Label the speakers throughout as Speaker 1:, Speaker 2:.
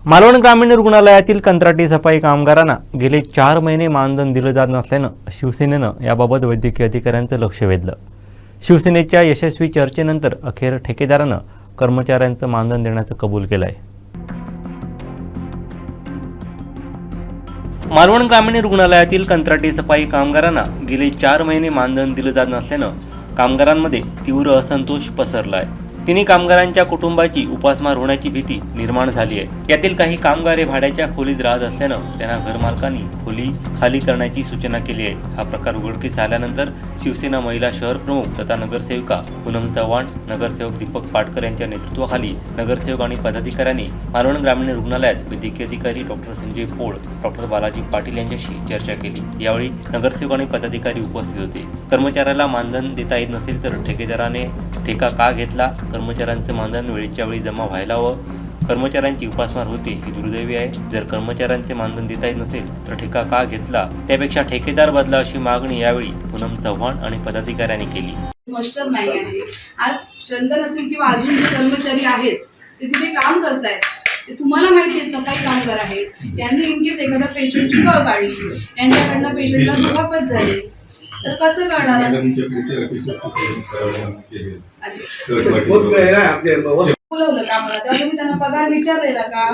Speaker 1: मालवण ग्रामीण रुग्णालयातील कंत्राटी सफाई कामगारांना गेले 4 महिने मानधन दिलं जात नसल्यानं शिवसेनेनं याबाबत वैद्यकीय अधिकाऱ्यांचं लक्ष वेधलं। शिवसेनेच्या यशस्वी चर्चेनंतर अखेर ठेकेदारानं कर्मचाऱ्यांचं मानधन देण्याचं कबूल केलंय। मालवण ग्रामीण रुग्णालयातील कंत्राटी सफाई कामगारांना गेले 4 महिने मानधन दिलं जात नसल्यानं कामगारांमध्ये तीव्र असंतोष पसरला आहे। तिन्ही कामगारांच्या कुटुंबाची उपासमार होण्याची भीती निर्माण झाली आहे। यातील काही कामगार भाड्याच्या खोलीत राहत असल्यानं त्यांना घरमालकांनी खोली खाली करण्याची सूचना केली आहे। हा प्रकार उघडकीस आल्यानंतर शिवसेना महिला शहर प्रमुख तथा नगरसेविका पूनम चव्हाण, नगरसेवक दीपक पाटकर यांच्या नेतृत्वाखाली नगरसेवक आणि पदाधिकाऱ्यांनी मालवण ग्रामीण रुग्णालयात वैद्यकीय अधिकारी डॉक्टर संजय पोळ, डॉक्टर बालाजी पाटील यांच्याशी चर्चा केली। यावेळी नगरसेवक आणि पदाधिकारी उपस्थित होते। कर्मचाऱ्याला मानधन देता येत नसेल तर ठेकेदाराने ठेका का घेतला, कर्मचाऱ्यांचे मानधन वेळेच्या वेळी जमा व्हायला हवं, कर्मचाऱ्यांची उपासमार होते ही दुर्दैवी आहे। जर कर्मचाऱ्यांचे मानधन देता येत नसेल तर ठेका का घेतला, त्यापेक्षा ठेकेदार बदला अशी मागणी यावेळी पूनम चव्हाण आणि पदाधिकाऱ्यांनी केली।
Speaker 2: मास्टर नाही आहे, आज चंदन असेल किंवा अजून जे कर्मचारी आहेत ते तिथे काम करतायत, ते तुम्हाला माहिती आहे सफाई कामगार आहेत, त्यांनी इनकेस एखाद्या पेशंटची कळ काढली, यांच्याकडनं पेशंटला दुखापत झाली तर कसं करणार? बोलवलं का मला? तेव्हा तुम्ही त्यांना पगार विचारलेला का?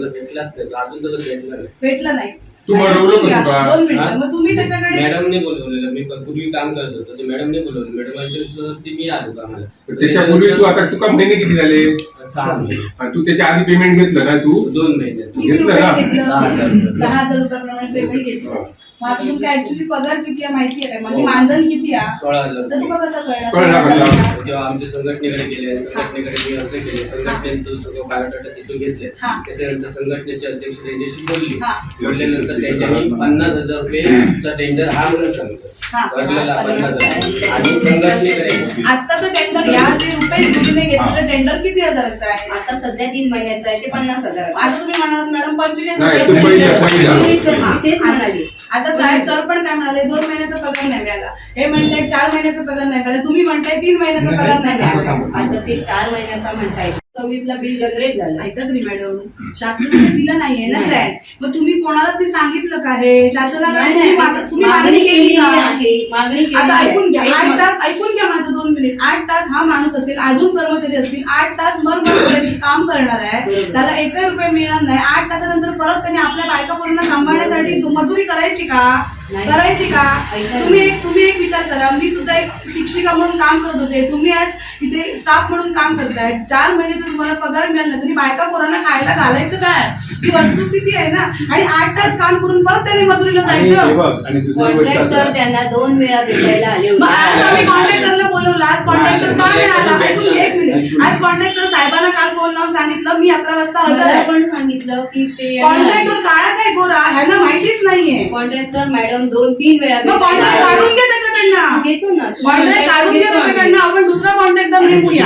Speaker 2: भेटला नाही। दोन मिनिटं मग तुम्ही त्याच्याकडे
Speaker 3: मॅडमने बोलवलेलं, मी पूर्वी काम करत होतो तर मॅडमने बोलवलं, मॅडमांच्या विश्वासावरती मी आलो कामाला।
Speaker 4: त्याच्यापूर्वी तू आता तुका महिने किती झाले?
Speaker 3: 6 महिने।
Speaker 4: आणि तू त्याच्या आधी पेमेंट घेतलं ना? तू
Speaker 3: 2 महिन्याचं
Speaker 4: घेतलं ना?
Speaker 2: 10,000 रुपयाप्रमाणे पेमेंट घेतलं। मग आता तुमचा ऍक्च्युअली पगार किती आहे माहिती आहे का? म्हणजे मानधन किती आहे
Speaker 3: 16,000।
Speaker 2: तर तुला कसं
Speaker 4: कळलं?
Speaker 3: जेव्हा आमच्या संघटनेकडे गेले, संघटनेकडे मी अर्ज केले, संघटनेचं सगळं बायोडाटा तिथून घेतले, त्याच्यानंतर संघटनेचे अध्यक्ष त्यांच्याशी बोलल्यानंतर त्यांच्यानी 50,000 रुपयेचा टेंडर हा म्हणून सांगितलं, भरलेला 50,000। आणि संघटनेकडे
Speaker 2: आताचं टेंडर या जे रुपये योजने घेतलेलं टेंडर किती हजाराचं आहे?
Speaker 5: आता सध्या 3 महिन्याचं आहे ते 50,000।
Speaker 2: आता तुम्ही म्हणालात मॅडम 45,000
Speaker 4: नाही, तू
Speaker 5: तेच म्हणाली।
Speaker 2: आता साहेब सर पण काय म्हणाले, 2 महिन्याचा पगार नाही मिळाला, हे म्हणताय 4 महिन्याचा पगार नाही मिळाला, तुम्ही म्हणताय 3 महिन्याचा पगार नाही मिळाला।
Speaker 5: आता ते 4 महिन्याचा म्हणताय, 26 ला बिल जनरेट झालं।
Speaker 2: ऐका तरी मॅडम, शासनाने दिलं नाहीये ना ग्रँट, मग तुम्ही कोणाला ते सांगितलं का? हे शासनाला तुम्ही मागणी केली का?
Speaker 5: मागणी
Speaker 2: आता ऐकून घ्या, 8 तास ऐकून घ्या माझं 2 मिनिट। 8 तास हा माणूस असेल, अजून कर्मचारी असतील, 8 तास मरमर काम करणार आहे, त्याला 1 रुपये मिळणार नाही। 8 तासानंतर परत त्यांनी आपल्या बायका पोरांना सांभाळण्यासाठी मजुरी करायची का? करायची का? तुम्ही एक विचार करा, मी सुद्धा एक शिक्षिका म्हणून काम करत होते, तुम्ही आज इथे स्टाफ म्हणून काम करताय। 4 महिने जर तुम्हाला पगार मिळाला नाही तरी बायका पोरांना खायला घालायचं काय? ही वस्तुस्थिती आहे ना। आणि 8 तास काम करून परत त्यांनी मजुरीला जायचं।
Speaker 5: कॉन्ट्रॅक्टर त्यांना 2 वेळा भेटायला आले
Speaker 2: मग आज
Speaker 5: होते।
Speaker 2: आम्ही कॉन्ट्रॅक्टरला बोलवलं, आज कॉन्ट्रॅक्टर का नाही आला? ऐकून 1 मिनिट, आज कॉन्ट्रॅक्टर साहेबांना काल फोन लावून सांगितलं मी 11 वाजता हजर आहे।
Speaker 5: पण सांगितलं की ते
Speaker 2: कॉन्ट्रॅक्टर काळा काय गोरा ह्यांना माहितीच नाहीये।
Speaker 5: कॉन्ट्रॅक्टर मॅडम 2-3 वेळा
Speaker 2: मग कॉन्ट्रॅक्ट काढून घे त्याच्याकडनं,
Speaker 5: घेतो ना,
Speaker 2: कॉन्ट्रॅक्ट काढून घे त्याच्याकडनं, आपण दुसरा कॉन्ट्रॅक्टर नेमूया।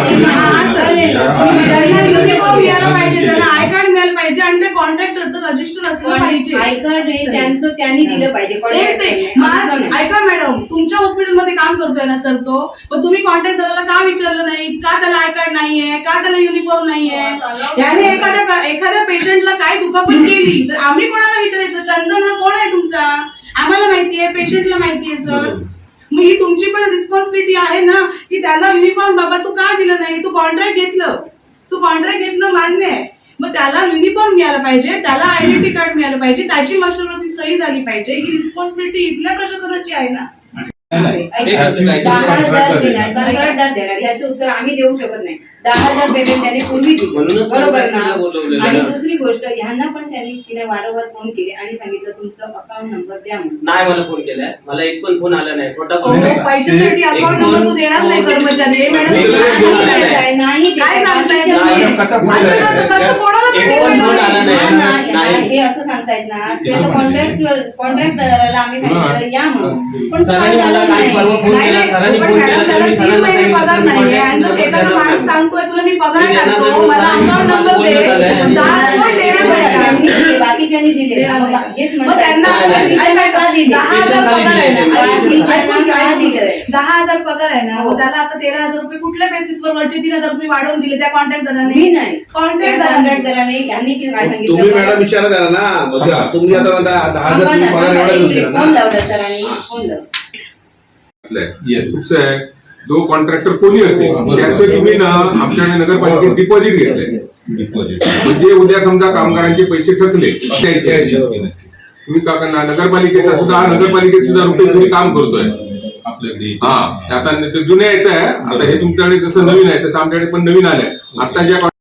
Speaker 2: त्यांना युनिफॉर्म मिळाला पाहिजे, त्यांना आय कार्ड मिळालं पाहिजे आणि त्या कॉन्ट्रॅक्टरचं रजिस्टर असलं पाहिजे।
Speaker 5: आय कार्ड हे त्यांचं त्यांनी दिलं पाहिजे।
Speaker 2: ऐका मॅडम, तुमच्या हॉस्पिटलमध्ये काम करतोय ना सर तो, पण तुम्ही कॉन्ट्रॅक्टरला का विचारलं नाही का त्याला आय कार्ड नाहीये, का त्याला युनिफॉर्म नाहीये? याने एखाद्या पेशंटला काय दुखापत केली तर आम्ही कोणाला विचारायचं? चंदन हा कोण आहे तुमचा? आम्हाला माहितीये, पेशंटला माहितीये सर। मग ही तुमची पण रिस्पॉन्सिबिलिटी आहे ना की त्याला युनिफॉर्म बाबा तू का दिलं नाही? तू कॉन्ट्रॅक्ट घेतलं मान्य आहे, मग त्याला युनिफॉर्म मिळाला पाहिजे, त्याला आयडेंटिटी कार्ड मिळालं पाहिजे, त्याची मास्टरवरती सही झाली पाहिजे। ही रिस्पॉन्सिबिलिटी इथल्या प्रशासनाची आहे ना।
Speaker 5: 10,000 देणार कंत्राटदार देणार, याचे उत्तर आम्ही देऊ शकत नाही। 10,000 पेमेंट त्याने पूर्वी दिलं, बरोबर ना? आणि दुसरी गोष्ट, ह्यांना पण त्यांनी वारंवार फोन केले आणि सांगितलं तुमचं अकाउंट नंबर द्या म्हणून।
Speaker 3: नाही, मला फोन केलाय, मला एक पण फोन आला नाही। खोटा फोन
Speaker 2: पैशासाठी अकाउंट नंबर तू देणार नाही कर्मचारी? मॅडम
Speaker 5: नाही,
Speaker 2: काय सांगताय?
Speaker 5: हे असं सांगतायत ना, ते कॉन्ट्रॅक्टरला आम्ही सांगितलं या म्हणून, पण
Speaker 2: पगार नाहीये आणि जर एखादा माणूस सांगतोय तुला मी पगार टाकतो, मला अकाउंट नंबर दे, बाकीच्यांनी दिले दिलेला
Speaker 5: मग
Speaker 2: नाही.
Speaker 5: हेच
Speaker 2: मग
Speaker 5: म्हणतात.
Speaker 2: त्यांना
Speaker 5: का दिले?
Speaker 2: 10,000 पगार आहे ना.
Speaker 5: बाकीच्यांना का दिलंय?
Speaker 2: 10,000 पगार आहे ना,
Speaker 5: हो.
Speaker 2: मग त्याला आता 13,000 रुपये कुठल्या बेसिसवर वरचे 3,000 रुपये वाढवून दिले त्या
Speaker 5: मी
Speaker 2: कॉन्ट्रॅक्टदाराने?
Speaker 5: नाही
Speaker 2: कॉन्ट्रॅक्टदाराने.
Speaker 5: कॉन्ट्रॅक्टराने यांनी काय सांगितलं?
Speaker 6: तुम्ही मॅडम विचारा त्याला ना मग तुम्ही आता म्हणता 10,000 तुम्ही पगार एवढा देऊन दिला
Speaker 5: फोन
Speaker 6: ना.
Speaker 5: लावला सरांनी, फोन लावला.
Speaker 4: कसं आहे, जो कॉन्ट्रॅक्टर कोणी असेल त्याचं तुम्ही ना आमच्याकडे नगरपालिकेत डिपॉझिट घेतलंय. म्हणजे उद्या समजा कामगारांचे पैसे थकले द्यायचे, तुम्ही का करणार? नगरपालिकेचा सुद्धा नगरपालिकेत सुद्धा रुपये तुम्ही काम करतोय
Speaker 7: आपल्याकडे.
Speaker 4: हा, आता ते जुन्या याचं आहे. आता हे तुमच्याकडे जसं नवीन आहे तसं आमच्याकडे पण नवीन आलंय. आता ज्या